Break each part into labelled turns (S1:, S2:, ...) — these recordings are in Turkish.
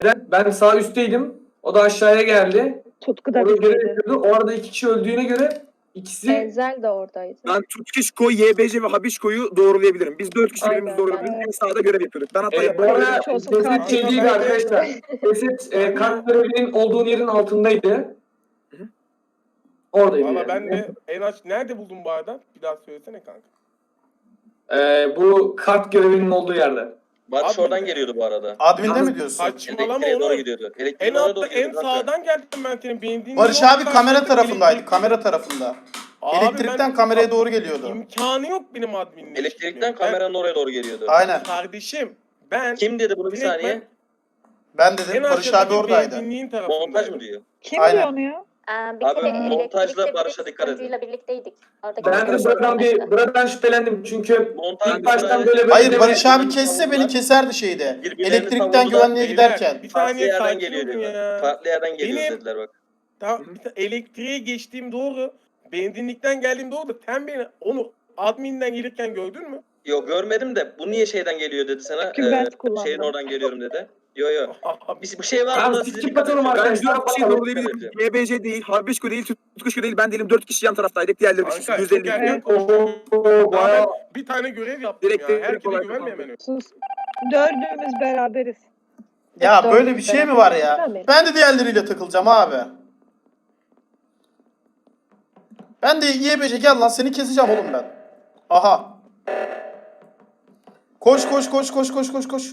S1: Ben sağ üstteydim. O da aşağıya geldi.
S2: Tutku da
S1: Orada görev
S2: bizdeydi.
S1: yapıyordu. O arada 2 kişi öldüğüne göre ikisi...
S2: Enzel de oradaydı.
S3: Ben Tutkişko, YBC ve Habişko'yu doğrulayabilirim. Biz 4 kişi birbirimizi
S2: Aynen,
S3: doğrulayabiliriz.
S2: ben-
S3: En sağda görev yapıyorduk. Ben hata
S1: bu
S3: yapmadım.
S1: arada
S2: Hiç olsun
S1: ceset
S2: kaldı.
S1: şey değildi arkadaşlar. Ceset kart görevinin olduğu yerin altındaydı. Oradaydı
S4: Valla
S1: yani.
S4: ben de en aç nerede buldun bu arada? Bir daha söylesene kanka.
S1: Bu kart görevinin olduğu yerde.
S5: Barış
S4: Abi-
S5: oradan geliyordu bu arada.
S6: Admin'de mi diyorsun?
S4: Saçmalama
S5: Elektriğe doğru
S4: onu.
S5: gidiyordu.
S4: En
S5: Elektriğin oraya
S4: altta
S5: doğru
S4: en
S5: gidiyordu. kanka.
S4: sağdan geldim ben senin beğendiğin.
S6: Barış
S4: yoldan
S6: abi kamera
S4: karşılaştık,
S6: tarafındaydı.
S4: elektrik-
S6: Kamera tarafında.
S4: Abi
S6: Elektrikten
S4: ben-
S6: kameraya doğru geliyordu.
S4: İmkanı yok benim adminle.
S5: Elektrikten kameranın oraya doğru geliyordu.
S6: Aynen.
S4: Kardeşim ben
S5: Kim dedi bunu bir
S4: Direkt
S5: saniye?
S6: Ben
S4: en
S6: dedim Barış
S4: aşağıdaki
S6: abi oradaydı.
S4: benzinliğin
S5: Montaj
S4: tarafındayım.
S5: mı diyor?
S2: Kim
S6: Aynen.
S2: diyor onu ya?
S7: Bir
S5: Abi,
S7: kere
S5: montajla
S7: elektrikte
S5: Barış'a dikkat edin.
S7: sunucuyla birlikteydik. Oradaki
S1: Ben de buradan şüphelendim çünkü
S5: Montaj
S1: ilk baştan böyle
S6: Hayır
S1: deme-
S6: Barış abi kesse beni keserdi şeyde.
S5: Birbirlerini
S6: Elektrikten
S5: savundular.
S6: güvenliğe
S4: Beyler,
S6: giderken.
S4: Bir
S5: Farklı
S4: saniye
S5: yerden
S4: sakin
S5: geliyor
S4: olun
S5: diyorlar.
S4: ya.
S5: Farklı yerden geliyor
S4: Benim-
S5: dediler bak.
S4: Tamam, elektriğe geçtiğim doğru. Benzinlikten geldiğim doğru da sen beni onu adminden gelirken gördün mü?
S5: Yok görmedim de bu niye şeyden geliyor dedi sana.
S2: Çünkü ben kullandım.
S5: Şeyin oradan geliyorum dedi. Yo. Bir şey var
S1: Tamam,
S5: buna
S1: skip
S5: size dikkat
S1: atalım
S5: edin.
S3: Ben
S1: arkadaşlar.
S3: 4 kişiyi doğrulayabilirim. YBC değil, Habişko değil, Tutkişko değil. Ben değilim. 4 kişi yan taraftaydık. Diğerleri
S4: Kanka,
S3: 150
S4: çok
S3: gidiyor.
S4: erken
S1: Oo, bayağı...
S4: Bir tane görev yaptım
S3: Direkt
S4: ya.
S3: direkt
S4: Herkese
S3: olarak
S4: güvenme
S3: kapandı.
S4: hemen.
S2: Sus. Dördümüz beraberiz.
S6: Ya
S2: Dördümüz
S6: böyle bir şey mi var ya?
S2: beraberiz.
S6: Ben de diğerleriyle takılacağım abi. Ben de YBC gel lan seni keseceğim oğlum ben. Aha. Koş koş koş koş koş koş koş.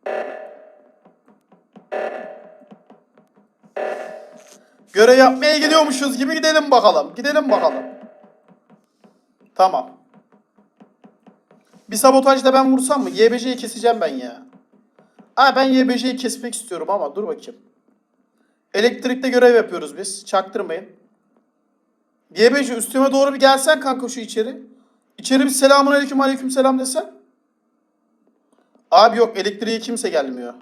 S6: Görev yapmaya gidiyormuşuz gibi gidelim bakalım. Gidelim bakalım. Tamam. Bir sabotajda ben vursam mı? YBC'yi keseceğim ben ya. Ben YBC'yi kesmek istiyorum ama dur bakayım. Elektrikte görev yapıyoruz biz. Çaktırmayın. YBC üstüme doğru bir gelsen kanka şu içeri. İçeri bir selamun aleyküm aleyküm selam desen. Abi yok elektriğe kimse gelmiyor.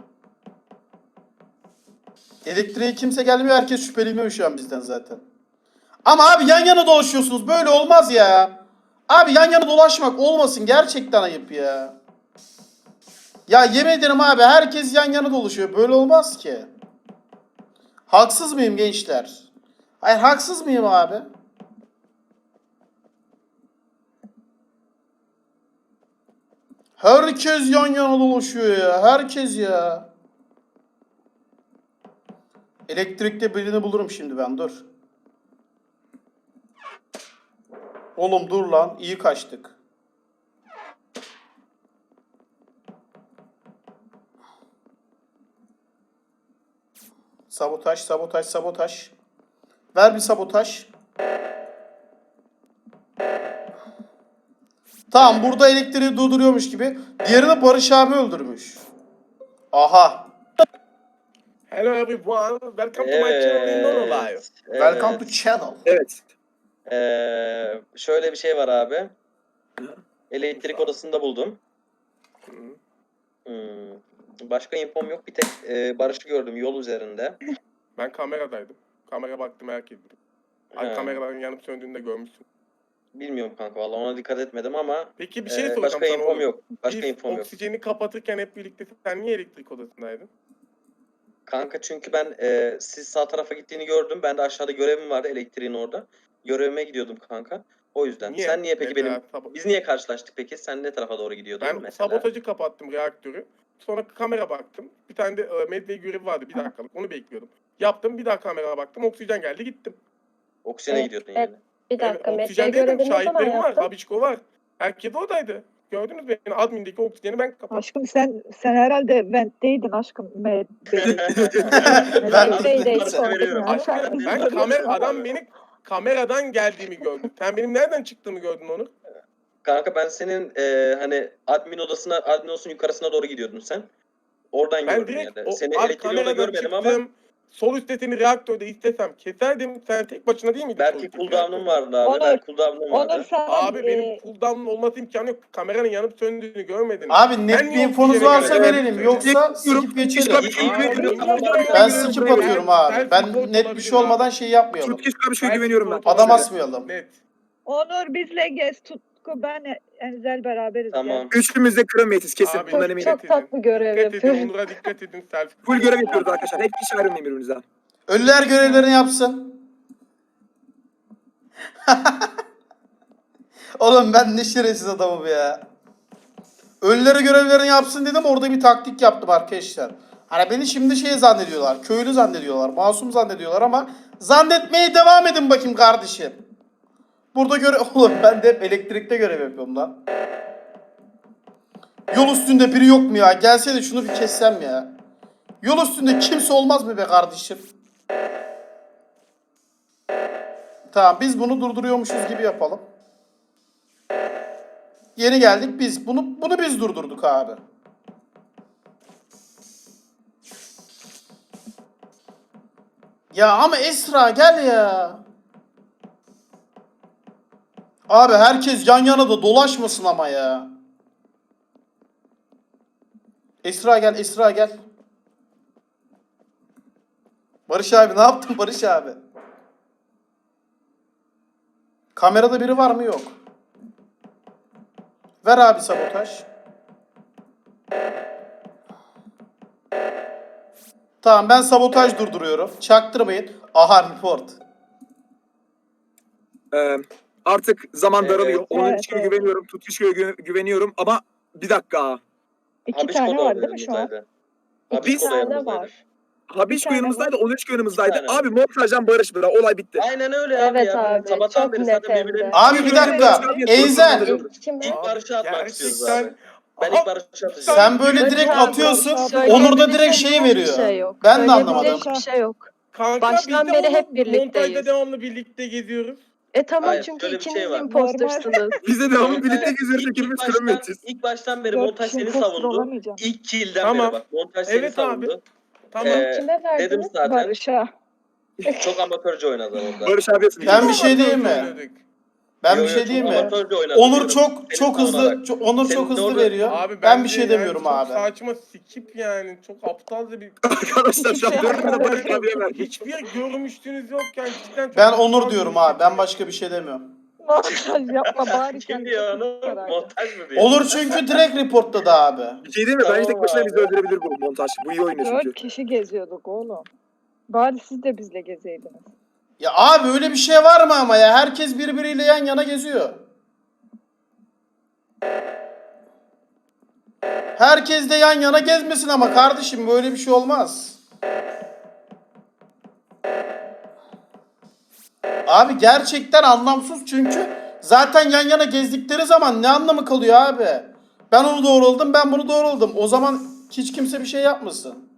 S6: Elektriğe kimse gelmiyor. Herkes şüpheleniyor şu an bizden zaten. Ama abi yan yana dolaşıyorsunuz. Böyle olmaz ya. Abi yan yana dolaşmak olmasın. Gerçekten ayıp ya. Ya yemin ederim abi herkes yan yana dolaşıyor. Böyle olmaz ki. Haksız mıyım gençler? Hayır haksız mıyım abi? Herkes yan yana dolaşıyor ya. Herkes ya. Elektrikte birini bulurum şimdi ben dur. Oğlum dur lan. İyi kaçtık. Sabotaj, sabotaj, sabotaj. Ver bir sabotaj. Tamam burada elektriği durduruyormuş gibi. Diğerini Barış abi öldürmüş. Aha.
S4: Hello everyone. Welcome to my channel in Nono Live.
S6: Welcome to channel.
S3: Evet.
S5: Şöyle bir şey var abi. Elektrik odasında buldum. Başka infom yok. Bir tek Barış'ı gördüm yol üzerinde.
S4: Ben kameradaydım. Kamera baktım herkes. Ay
S5: He.
S4: kameraların yanıp söndüğünü de görmüşsün.
S5: Bilmiyorum kanka vallahi ona dikkat etmedim ama
S4: Peki bir şey soracağım
S5: başka
S4: sana
S5: infom
S4: oğlum.
S5: yok. Başka
S4: Biz
S5: infom yok.
S4: oksijeni kapatırken hep birlikte sen niye elektrik odasındaydın?
S5: Kanka çünkü ben siz sağ tarafa gittiğini gördüm. Ben de aşağıda görevim vardı elektriğin orada. Görevime gidiyordum kanka. O yüzden. Sen niye peki
S4: Mesela
S5: biz niye karşılaştık peki? Sen ne tarafa doğru gidiyordun
S4: Ben
S5: mesela?
S4: sabotajı kapattım reaktörü. Sonra kamera baktım. Bir tane de medya görevi vardı bir dakikalık. Onu bekliyordum. Yaptım bir daha kamera baktım. Oksijen geldi gittim.
S5: Oksijene gidiyordun
S7: evet.
S5: yani.
S7: Bir dakika, medya
S4: oksijen dedim.
S7: görevini ne zaman
S4: Şahitlerim var.
S7: yaptın?
S4: Habiçko var. Herkes oradaydı. Gördünüz mü? Yani admindeki oksijeni ben kapattım.
S2: Aşkım sen herhalde vent'teydin aşkım.
S6: Ben-
S4: Adam beni kameradan geldiğimi gördü. Sen benim nereden çıktığımı gördün onu.
S5: Kanka ben senin hani admin odasının yukarısına doğru gidiyordun sen. Oradan
S4: Ben
S5: gördüm
S4: direkt
S5: yani.
S4: o
S5: Seni
S4: alt
S5: elektriği orada
S4: kameradan
S5: görmedim
S4: çıktım.
S5: ama
S4: Sol üstte seni reaktörde istesem keserdim. Sen tek başına değil miydin? sol
S5: belki
S4: üstteki
S5: cooldown'un
S4: reaktörde?
S5: vardı abi.
S2: Onur,
S5: Belki cooldown'un
S2: Onur
S5: vardı.
S2: sen
S4: Abi benim cooldown'un olması imkanı yok. Kameranın yanıp söndüğünü görmedin.
S6: Abi net
S4: Ben
S6: bir
S4: niye
S6: infonuz
S4: oksijene
S6: varsa
S4: gelmedim?
S6: verelim. Yoksa skip geçelim. Ben skip atıyorum abi. Ben net bir şey olmadan şey yapmayalım.
S3: Tutkişko Habişko'ya güveniyorum ben.
S6: Adam asmayalım.
S4: Net.
S2: Onur bizle gez. Aşko ben Enzel beraberiz.
S5: Tamam.
S3: Üçümüz de kıramayız kesin.
S4: Abi,
S3: Bundan
S7: Çok,
S3: eminim.
S7: çok tatlı görev
S4: Dikkat edin,
S7: yapıyorum.
S4: Onur'a dikkat edin. Selfie.
S3: Full görev yapıyoruz arkadaşlar. Hep hiç ayrılmayın birbirinizden.
S6: Ölüler görevlerini yapsın. Oğlum ben ne şerefsiz adamım ya. Ölülere görevlerini yapsın dedim, orada bir taktik yaptım arkadaşlar. Hani beni şimdi şey zannediyorlar, köylü zannediyorlar, masum zannediyorlar ama zannetmeye devam edin bakayım kardeşim. Burada oğlum ben de hep elektrikte görev yapıyorum lan. Yol üstünde biri yok mu ya? Gelse de şunu bir kessem ya. Yol üstünde kimse olmaz mı be kardeşim? Tamam, biz bunu durduruyormuşuz gibi yapalım. Yeni geldik biz. Bunu biz durdurduk abi. Ya ama Esra gel ya. Abi herkes yan yana da dolaşmasın ama ya. Esra gel, Esra gel. Barış abi ne yaptın Barış abi? Kamerada biri var mı? Yok. Ver abi sabotaj. Tamam, ben sabotaj durduruyorum. Çaktırmayın. Aha report.
S3: Artık zaman
S5: Evet.
S3: daralıyor. Onun
S2: Evet,
S3: için
S2: evet.
S3: güveniyorum. Tutuşku'ya güveniyorum ama bir dakika.
S2: 2
S5: Habişko
S2: tane
S5: da
S2: var değil mi şu an?
S5: yanımızdaydı.
S7: İki
S5: Habişko da
S7: tane
S5: yanımızdaydı.
S7: var.
S3: Habişko
S2: tane
S3: yanımızdaydı, 13 yanımızdaydı.
S5: Bir tane.
S3: Abi montajdan Barış bıra. Olay bitti.
S5: Aynen öyle abi
S7: Evet
S5: ya.
S7: abi,
S5: Sabahtan
S7: çok
S5: beri
S7: net
S5: zaten
S7: hem de.
S5: birbirlerini...
S6: Abi bir dakika. Enzel.
S7: İlk kime?
S5: İlk Barış'ı atmak istiyoruz
S4: Gerçekten-
S5: abi. Ben
S4: Aha,
S5: ilk Barış'ı atacağım.
S6: Sen böyle
S7: Barış
S6: direkt
S7: abi,
S6: atıyorsun.
S2: Barış abi.
S6: Onur da direkt şeyi
S7: Söyleyebileceğim
S6: veriyor.
S7: hiçbir şey yok.
S6: Ben de
S7: Söyleyebileceğim
S6: anlamadım.
S7: hiçbir şey yok.
S4: Kanka
S7: Baştan
S4: biz de
S7: beri hep
S4: oğlum
S7: birlikteyiz.
S4: montajda devamlı birlikte geziyoruz.
S7: Tamam,
S5: Hayır,
S7: çünkü
S5: şöyle bir şey
S7: ikiniz
S5: var.
S7: impostersınız.
S3: Biz de devamlı birlikte
S5: İlk-
S3: geziyoruz.
S5: ilk
S3: Hepimiz
S5: baştan-
S3: kıramayız.
S5: İlk baştan beri
S2: 4
S5: montaj
S2: kişi
S5: seni
S2: imposter
S5: savundu.
S2: olamayacağım.
S5: İlk kill'den
S4: Tamam.
S5: beri bak montaj seni
S4: Evet abi.
S5: savundu.
S4: Tamam.
S7: Kime verdiniz?
S5: Dedim zaten.
S2: Barış'a.
S5: Çok amatörce oynadı orada.
S3: Barış abi
S6: Ben bir şey diyeyim mi?
S4: Oynadık.
S6: Ben
S5: Yo,
S6: bir
S5: yo,
S6: şey
S5: çok
S6: diyeyim mi?
S5: amatörce oynadı
S6: Onur
S5: diyorum.
S6: çok
S5: Seni
S6: çok hızlı
S5: savunarak.
S6: Onur
S5: Senin
S6: çok hızlı
S5: orada-
S6: veriyor.
S4: Abi
S6: Ben bir
S4: bence
S6: şey
S4: yani
S6: demiyorum
S4: çok
S6: abi.
S4: saçma skip yani. Çok aptalca bir...
S3: Arkadaşlar şu an
S4: Hiçbir
S3: 4'ünü de Barış abiye verdik.
S4: Hiçbir görmüştünüz yokken cidden çok
S6: Ben
S4: aptal
S6: Onur
S4: bir
S6: diyorum
S4: şey.
S6: abi. Ben başka bir şey demiyorum.
S2: Montaj yapma bari
S5: Kim
S2: kendini
S5: diyor onu?
S2: kurtar.
S5: Montaj mı diyor?
S6: Olur çünkü direkt reportladı abi.
S3: Bir şey değil mi? Bence tek
S5: Tamam
S3: başına
S5: abi.
S3: bizi öldürebilir bu montaj. Bu iyi oynuyor
S2: 4
S3: çünkü.
S2: kişi geziyorduk oğlum. Bari siz de bizle gezeydiniz.
S6: Ya abi öyle bir şey var mı ama ya? Herkes birbiriyle yan yana geziyor. Herkes de yan yana gezmesin ama kardeşim, böyle bir şey olmaz. Abi gerçekten anlamsız çünkü zaten yan yana gezdikleri zaman ne anlamı kalıyor abi? Ben onu doğruladım, ben bunu doğruladım. O zaman hiç kimse bir şey yapmasın.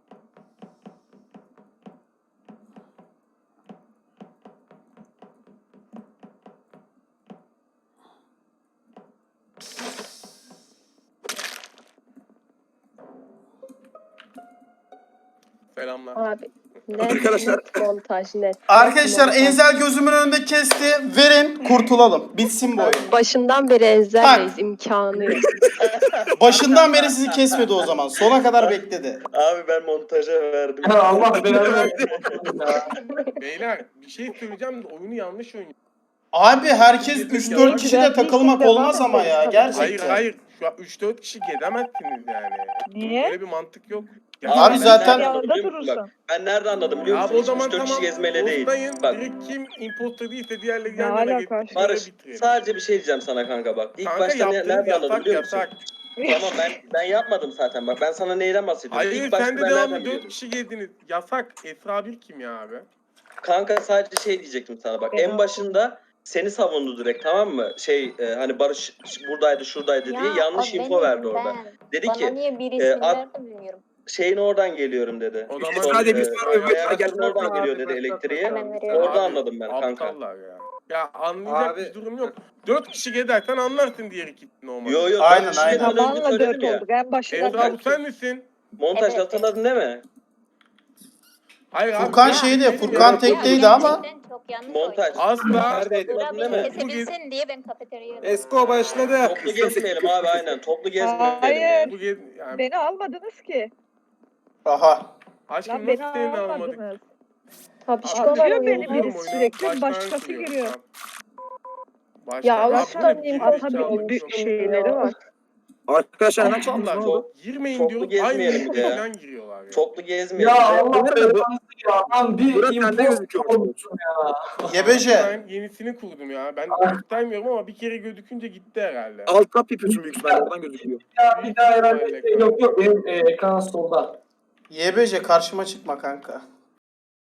S4: Selamlar.
S7: Abi net,
S3: Arkadaşlar-
S7: net montaj, net.
S6: Arkadaşlar
S7: Net montaj.
S6: Enzel gözümün önünde kesti. Verin, kurtulalım. Bitsin bu oyun.
S7: Başından beri Enzel'leyiz, imkanı yok.
S6: Başından beri sizi kesmedi o zaman. Sona kadar bekledi.
S5: Abi ben montaja verdim.
S1: Ya Allah belanı versin.
S4: Beyler bir şey söyleyeceğim de oyunu yanlış oynuyor.
S6: Abi herkes 3-4 kişiyle takılmak olmaz ama ya.
S4: Hayır
S6: Gerçekten.
S4: hayır. Şu an 3-4 kişi gezemezsiniz yani.
S2: Niye?
S4: Böyle bir mantık yok.
S6: Abi
S5: ben
S6: zaten-
S5: nereden
S2: Yanında
S5: anladım biliyor musun?
S2: durursun.
S5: Bak, ben nerede anladım biliyor musun?
S4: Abi o
S5: Hiç
S4: zaman
S5: 3-4
S4: tamam.
S5: kişi gezmeli değil.
S4: Dostayın.
S5: Bak
S4: Direkt kim imposter değilse diğerleri
S2: Ne
S4: yan yana
S2: alaka?
S4: getirip
S5: Barış
S4: bitirelim.
S5: sadece bir şey diyeceğim sana kanka bak. İlk
S4: Kanka
S5: başta
S4: yaptığınız
S5: nerede anladım
S4: yasak
S5: biliyor musun?
S4: yasak.
S5: Tamam ben yapmadım zaten bak ben sana neyden bahsediyorum.
S4: Hayır
S5: İlk başta
S4: sen de
S5: ben
S4: devamlı
S5: nereden
S4: 4
S5: biliyordum?
S4: kişi gezdiniz. Yasak. Esra bir kim ya abi?
S5: Kanka sadece şey diyecektim sana bak. En başında seni savundu direkt tamam mı? Hani Barış buradaydı şuradaydı diye yanlış info verdi orada. Dedi
S7: Bana
S5: ki
S7: niye bir isim
S5: at-
S7: verdi bilmiyorum.
S5: şeyin oradan geliyorum dedi.
S4: O zaman
S3: Sadece biz
S5: Ayakların oradan geliyor dedi elektriğe.
S7: Hemen veriyorum.
S5: Orada anladım ben kanka.
S4: Aptallar ya. Ya anlayacak
S3: Abi-
S4: bir durum yok. 4 kişi gezersen anlarsın diğer iki normal.
S5: Yo yo
S6: Aynen,
S5: dört kişi
S6: aynen.
S5: önce
S2: Zamanla 4
S5: söyledim ya.
S2: olduk. En başından
S4: Esra bu
S2: 4
S4: sen misin?
S5: Montaj
S7: Evet.
S5: hatırladın değil mi?
S4: Hayır abi.
S6: Furkan
S4: ya,
S6: şeydi,
S4: benim
S6: Furkan
S4: ya.
S6: tekteydi ama.
S7: Çok yanlış
S5: Montaj.
S7: oynadım.
S4: Asla.
S3: Neredeydi?
S5: Hatırladın değil mi?
S7: Kesebilsin diye ben kafeteryaya
S3: Esko başladı.
S5: Toplu gezmeyelim abi aynen. Toplu gezmeyelim.
S2: Hayır.
S4: Bu gez yani
S2: Beni almadınız ki.
S6: Aha.
S4: aşkım
S2: Lan beni
S4: nasıl seni almadık?
S2: almadınız.
S7: Tabişko
S2: Atıyor
S7: var
S2: beni
S7: oyunda.
S2: biri sürekli, başkası giriyor.
S4: Başka.
S2: Ya
S4: Abi,
S2: Allah'tan
S4: bu ne?
S2: diyeyim
S4: Gerizekalı
S2: atabildim
S4: yok.
S2: şeyleri var.
S3: Arkadaşlar hemen çıktınız. Ne
S4: Aptallar.
S3: oldu?
S4: Girmeyin
S5: Çoklu
S4: diyorum.
S5: gezmeyelim
S4: Aynı
S5: bir de ya.
S4: falan giriyorlar ya.
S5: Çoklu gezmeyelim.
S1: Ya
S5: Ya,
S1: Allah
S3: Bu ne
S1: belanı
S3: bu?
S1: ya. Lan bir
S3: Burası sende
S1: imposter
S3: gözüküyor.
S1: olmuşsun ya.
S6: YBJ.
S4: Ben yenisini kurdum ya. Ben göstermiyorum ama bir kere gözükünce gitti herhalde.
S3: Alt tab yapıyorsun büyük ihtimalle oradan gözüküyor.
S1: Bir daha herhalde yok benim ekran solda.
S6: YBJ karşıma çıkma kanka.